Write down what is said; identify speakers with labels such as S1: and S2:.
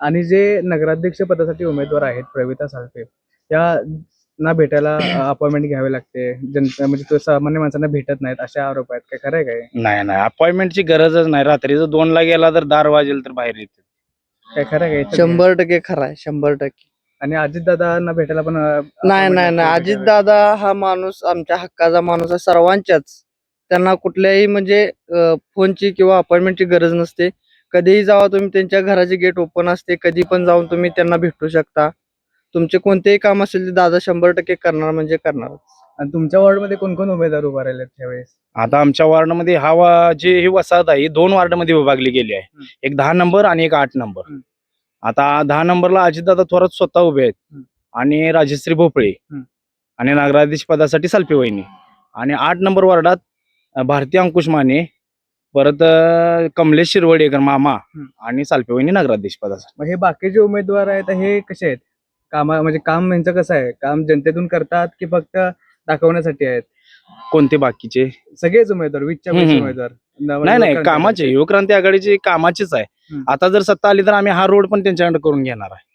S1: आणि जे नगराध्यक्ष पदासाठी उमेदवार आहेत प्रवीता साळवे या ना भेटायला अपॉइंटमेंट घ्यावी लागते, जनता म्हणजे तो सामान्य माणसांना भेटत नाहीत असे आरोप आहेत. काय खरं आहे काय?
S2: नाही नाही, अपॉइंटमेंटची गरजच नाही. रात्रीचं 2ला गेला तर 10 वाजेल तर बाहेर येते.
S1: काय खरं आहे काय?
S3: 100% खरा आहे, 100%.
S1: आणि अजितदादांना भेटायला पण
S3: नाही
S1: appointment
S3: नाही नाही,
S1: लागते
S3: अजित
S1: का?
S3: दादा हा माणूस आमच्या हक्काचा माणूस आहे, सर्वांच्याच. त्यांना कुठल्याही म्हणजे फोनची किंवा अपॉइंटमेंटची गरज नसते. कधीही जावा तुम्ही, त्यांच्या घराचे गेट ओपन असते, कधी पण जाऊन तुम्ही त्यांना भेटू शकता. तुमचे कोणतेही काम असेल ते दादा 100% करणार म्हणजे करणार.
S1: आणि तुमच्या वॉर्डमध्ये कोण कोण उमेदवार उभा राहिले त्यावेळेस?
S2: आता आमच्या वॉर्डमध्ये जी ही वसाहत आहे ही 2 वार्डमध्ये विभागली गेली आहे. एक 10 नंबर आणि एक 8 नंबर. आता 10 नंबरला अजितदादा थोरात स्वतः उभे आहेत आणि राजश्री भोपळे आणि नगराध्यक्ष पदासाठी सालपे वहिनी. आणि 8 नंबर वार्डात भारती अंकुश माने, परत कमलेश शिरवडेकर मामा आणि सालपे वहिनी नगराध्यक्ष पदासाठी.
S1: मग हे बाकीचे उमेदवार आहेत हे कसे आहेत? म्हणजे काम यांचं कसं आहे? काम जनतेतून करतात की फक्त दाखवण्यासाठी आहेत?
S2: कोणते बाकीचे?
S1: सगळेच उमेदवार, वीसच्या वीस उमेदवार.
S2: नाही नाही, कामाचे. युवक्रांती आघाडीची कामाचीच आहे. आता जर सत्ता आली तर आम्ही हा रोड पण त्यांच्याकडे करून घेणार आहे.